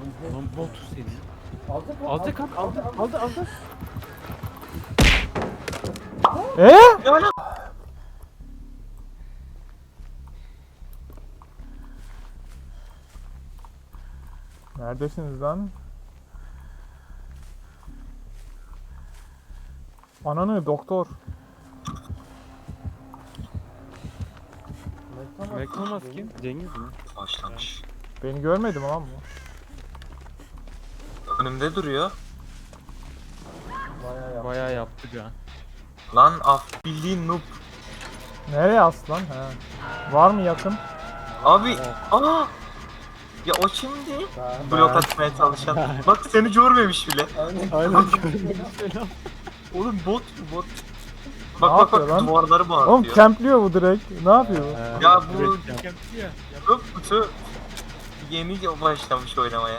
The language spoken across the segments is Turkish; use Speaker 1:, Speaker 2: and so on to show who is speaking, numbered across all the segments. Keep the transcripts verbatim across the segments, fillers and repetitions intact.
Speaker 1: Lan bot seni.
Speaker 2: Aldı
Speaker 1: Aldı kalk aldı aldı aldı.
Speaker 3: Ee? Neredesiniz lan? Ananı doktor.
Speaker 1: McDonald's kim? Cengiz mi?
Speaker 4: Başlamış.
Speaker 3: Beni görmedi mi lan bu?
Speaker 4: Önümde duruyor.
Speaker 1: Bayağı yaptı ya.
Speaker 4: Lan af bildiğin noob.
Speaker 3: Nereye aslan? He. Var mı yakın?
Speaker 4: Abi aa. Ya o şimdi blok atmaya çalışan. Bak seni görmemiş bile.
Speaker 1: Aynen.
Speaker 4: Oğlum bot bu bot.
Speaker 3: Ne
Speaker 4: Bak bak
Speaker 3: yapıyor
Speaker 4: bak
Speaker 3: lan?
Speaker 4: duvarları
Speaker 3: Oğlum
Speaker 4: bağırtıyor.
Speaker 3: campliyor bu direkt. Ne yapıyor bu?
Speaker 4: Ya bu noob kutu yeni başlamış oynamaya.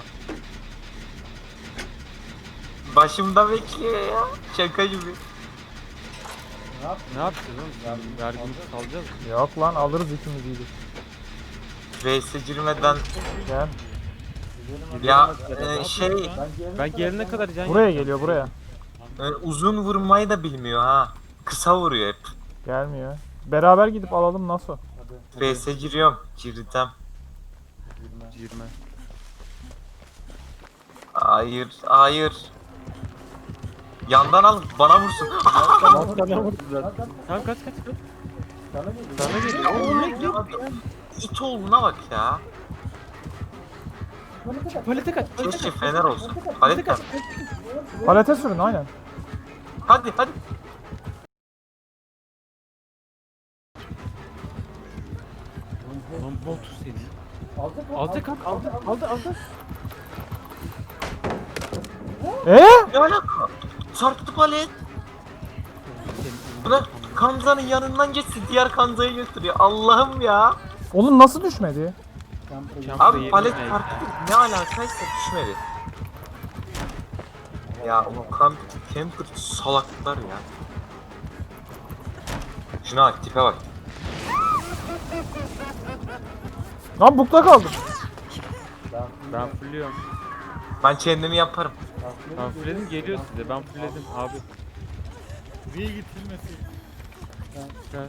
Speaker 4: Başımda bekliyor ya. Şaka gibi.
Speaker 1: Ne yapacağız oğlum? Vergimizi salacağız mı?
Speaker 3: Yok lan alırız ikimiz iyilik.
Speaker 4: Vs girmeden
Speaker 3: Gel.
Speaker 4: ya e, şey
Speaker 1: Ben gelene kadar can
Speaker 3: Buraya geliyor buraya.
Speaker 4: e, uzun vurmayı da bilmiyor ha. Kısa vuruyor hep.
Speaker 3: Gelmiyor. Beraber gidip alalım nasıl?
Speaker 4: Vs giriyorum. Girdim.
Speaker 1: Girme.
Speaker 4: Hayır, hayır. Yandan al, bana vursun.
Speaker 1: Tamam kaç kaç kaç. Sana geliyor. Oğlum ne gidiyor?
Speaker 4: İt oğluna bak ya.
Speaker 1: Palete kaç.
Speaker 4: Keşke fener olsun. Palet kaç.
Speaker 3: Palete sürün aynen.
Speaker 4: Hadi hadi.
Speaker 1: Lan bot seni. Aldı kalk aldı aldı aldı.
Speaker 3: Ee?
Speaker 4: Ne alaka? Çarptı palet. Bırak Kanza'nın yanından geçsin. Diğer Kanza'yı götürüyor. Allah'ım ya.
Speaker 3: Oğlum nasıl düşmedi?
Speaker 4: Abi palet çarptı. Ne alakaysa düşmedi. Ya o kamp, camper salaklar ya. Şuna bak tipe bak.
Speaker 3: Lan bukta kaldım.
Speaker 1: Ben fulluyorum.
Speaker 4: Ben kendimi yaparım.
Speaker 1: Ben fullledim geliyor size. Ben fullledim abi.
Speaker 2: Niye getirmesin?
Speaker 1: Gel.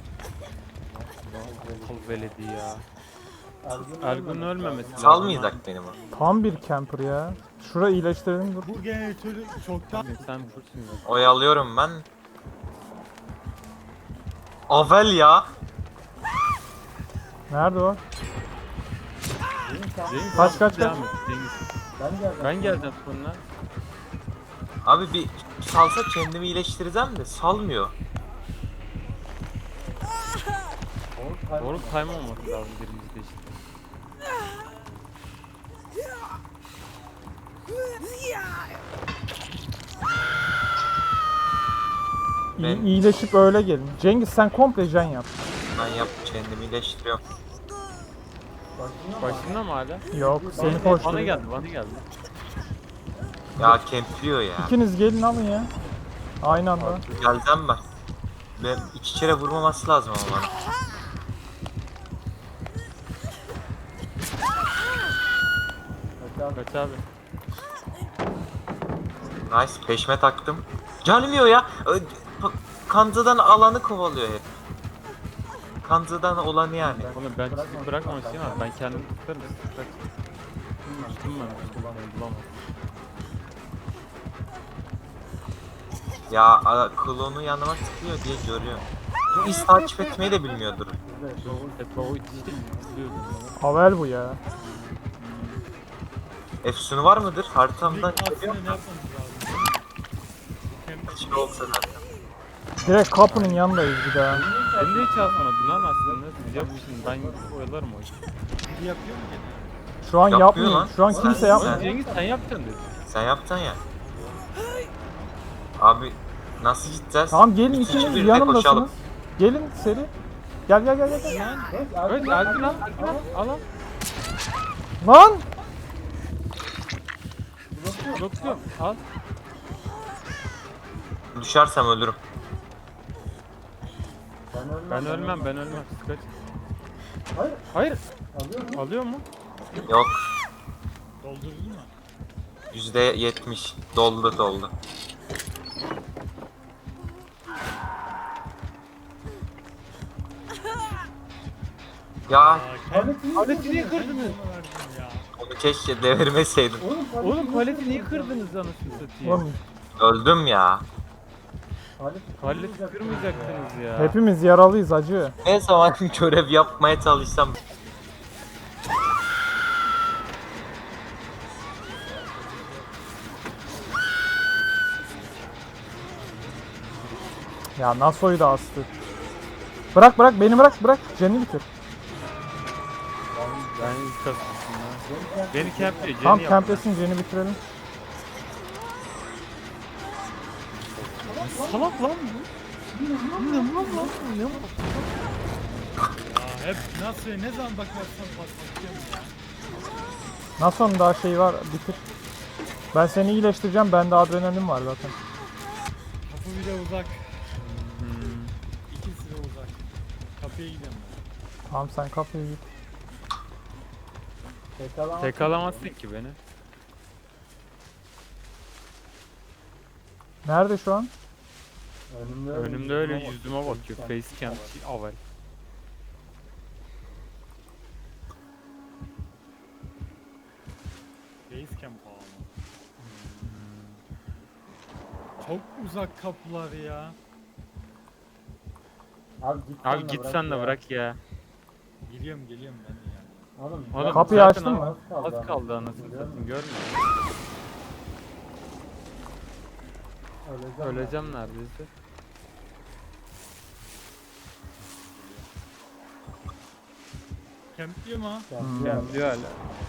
Speaker 1: Akıl veledi ya. Ergun ölmemesi lazım.
Speaker 4: Salmayacak benim o.
Speaker 3: Tam bir camper ya. Şura iyileştirelim dur.
Speaker 2: Bu jeneratörü çoktan...
Speaker 1: Abi sen fullsün ya.
Speaker 4: Oyalıyorum ben. Avel ya.
Speaker 3: Nerede o?
Speaker 1: Cengiz
Speaker 3: Kaç, kaç,
Speaker 1: devam
Speaker 3: kaç?
Speaker 1: et, Cengiz. Ben geleceğim sonra.
Speaker 4: Abi bir salsa kendimi iyileştireceğim de salmıyor.
Speaker 1: Doğru time olması lazım birimizde işte.
Speaker 3: İyi,
Speaker 4: Ben-
Speaker 3: iyileşip öyle gelin. Cengiz sen komple jen yap.
Speaker 4: Ben yap kendimi iyileştiriyorum.
Speaker 1: Başında mı hala?
Speaker 3: Yok seni
Speaker 1: Bana
Speaker 3: koşturuyor.
Speaker 1: geldi bana geldi.
Speaker 4: Ya kempliyor ya.
Speaker 3: İkiniz gelin alın ya. Aynı anda.
Speaker 4: Geleceğim ben. Ben iki kere vurmaması lazım ama bana.
Speaker 1: Kaç abi.
Speaker 4: Nice peşme taktım. Gelmiyor ya. Ö- pa- Kanza'dan alanı kovalıyor hep. Kanza'dan olanı yani.
Speaker 1: Oğlum ben sizi bırakmamışım ama ben kendim tutarım. Bırak. Tuttum ben. Bulamam.
Speaker 4: Ya a- klonu yanıma tıkıyor diye görüyorum. Bu iz takip etmeyi de bilmiyordur.
Speaker 1: Hep o işte izliyordum.
Speaker 3: Havel bu ya.
Speaker 4: Efsun'u var mıdır? Haritamdan
Speaker 2: Aslında
Speaker 4: geliyor
Speaker 2: ne
Speaker 4: mu?
Speaker 2: yapmamız lazım?
Speaker 4: Hiç olsa zaten.
Speaker 3: Direkt kapının yanındayız bir daha.
Speaker 1: Beni de hiç atmadın lan aslında. Siz yapmışsınız. Ben oyalarım o işi.
Speaker 2: Biri yapıyor mu gene?
Speaker 3: Şu an
Speaker 4: Yapmıyor
Speaker 3: yapmıyor.
Speaker 4: lan.
Speaker 3: Şu an kimse yapmıyor.
Speaker 1: Cengiz sen yapacaksın dedi.
Speaker 4: Sen yaptın ya. Abi nasıl gideceğiz?
Speaker 3: Tamam gelin
Speaker 4: İkinci
Speaker 3: ikiniz
Speaker 4: birde
Speaker 3: yanımdasınız.
Speaker 4: koşalım.
Speaker 3: Gelin seri. Gel gel gel gel.
Speaker 1: Evet Ergun lan. Ergun lan. Al al.
Speaker 3: Lan!
Speaker 1: Blokluyorum. Al.
Speaker 4: Düşersem ölürüm.
Speaker 1: Ben ölmem ben ölmem. Siz kaç. Hayır. Hayır. Alıyor mu?
Speaker 4: Yok.
Speaker 2: Doldurdun mu?
Speaker 4: yüzde yetmiş doldu doldu. Ya
Speaker 1: Paleti niye kırdınız?
Speaker 2: Ya.
Speaker 4: onu keşke devirmeseydim.
Speaker 1: Oğlum paleti niye kırdınız anasını satayım?
Speaker 3: Oğlum
Speaker 4: Öldüm ya.
Speaker 1: Paleti kırmayacaktınız ya.
Speaker 3: hepimiz yaralıyız acı.
Speaker 4: Ne zaman görev yapmaya çalışsam
Speaker 3: Ya Naso'yu da astı. Bırak bırak beni bırak bırak. Jen'i bitir.
Speaker 1: Ben ilk kasmışım ya. Beni kemple, Jenny
Speaker 3: Tam
Speaker 1: yap.
Speaker 3: kemplesin Jen'i bitirelim.
Speaker 1: Salak lan bu. Ne mal lan bu, ne mal?
Speaker 2: Ya hep nasıl ne zaman bakarsan patlatıyorum ya.
Speaker 3: Naso'nun daha şeyi var bitir. Ben seni iyileştireceğim. Bende adrenalin var zaten.
Speaker 2: Kapı bile uzak. İkisi de uzak. Kapıya gidiyorum ben.
Speaker 3: Tamam sen kapıya git.
Speaker 1: Tek alamazsın ki beni.
Speaker 3: Nerede şu an?
Speaker 1: Önümde öyle yüzüme bakıyor. Facecam, avel.
Speaker 2: Basecamp pahalı. Çok uzak kapılar ya.
Speaker 1: Abi git sen de bırak ya.
Speaker 2: Geliyorum geliyorum ben de ya.
Speaker 1: Oğlum,
Speaker 3: Kapıyı
Speaker 1: zaten
Speaker 3: açtın
Speaker 1: az-
Speaker 3: mı?
Speaker 1: Az kaldı anasını satayım, görmüyor musun? Öleceğim neredeyse.
Speaker 2: Kempliyor mu ha?
Speaker 1: Yani diyor hala.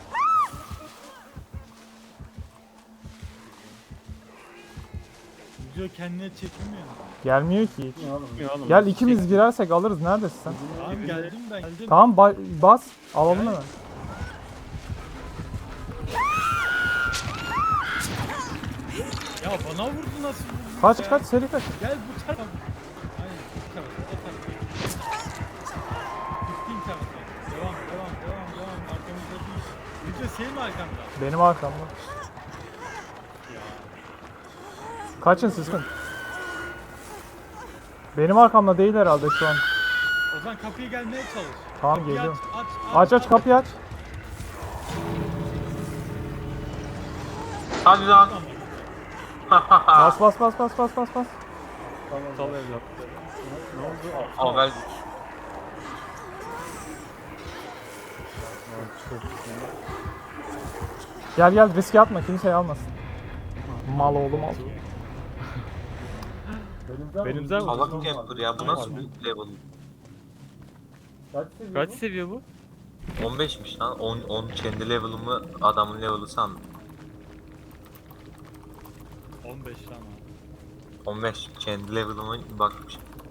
Speaker 2: Video kendine çekilmiyor mu?
Speaker 3: Gelmiyor ki hiç.
Speaker 1: Bilmiyor oğlum.
Speaker 3: Gel ikimiz girersek alırız. Neredesin sen?
Speaker 2: Tamam geldim ben geldim.
Speaker 3: Tamam ba- bas. Alalım hemen.
Speaker 2: Ya bana vurdu nasıl vurdu
Speaker 3: Kaç
Speaker 2: ya?
Speaker 3: kaç seri kaç.
Speaker 2: Gel bu tarafa. Hayır bu tarafa o tarafa. Gittiğin tarafa. Devam devam devam devam. Arkamızda değil. Video senin mi arkamda?
Speaker 3: Benim arkamda.
Speaker 2: Ya.
Speaker 3: Kaçın sıskın. Benim arkamda değil herhalde şu an.
Speaker 2: O zaman kapıya gelmeye çalış.
Speaker 3: Tamam
Speaker 2: Kapıyı
Speaker 3: geliyorum.
Speaker 2: Aç aç
Speaker 3: Aç aç kapıyı aç.
Speaker 4: hadi lan.
Speaker 3: Bas bas bas bas bas bas bas.
Speaker 1: Sal evlatları. Ne oldu?
Speaker 4: Avel
Speaker 3: Gel gel riske atma kimseyi almasın. Mal oğlum al.
Speaker 1: Benim zaten
Speaker 4: salak camper ya bu nasıl bir level?
Speaker 1: kaç seviye bu?
Speaker 4: on beşmiş lan. on, on kendi level'ımı adamın level'ı sandım.
Speaker 2: on beş tane.
Speaker 4: on beş kendi level'ıma bakmış.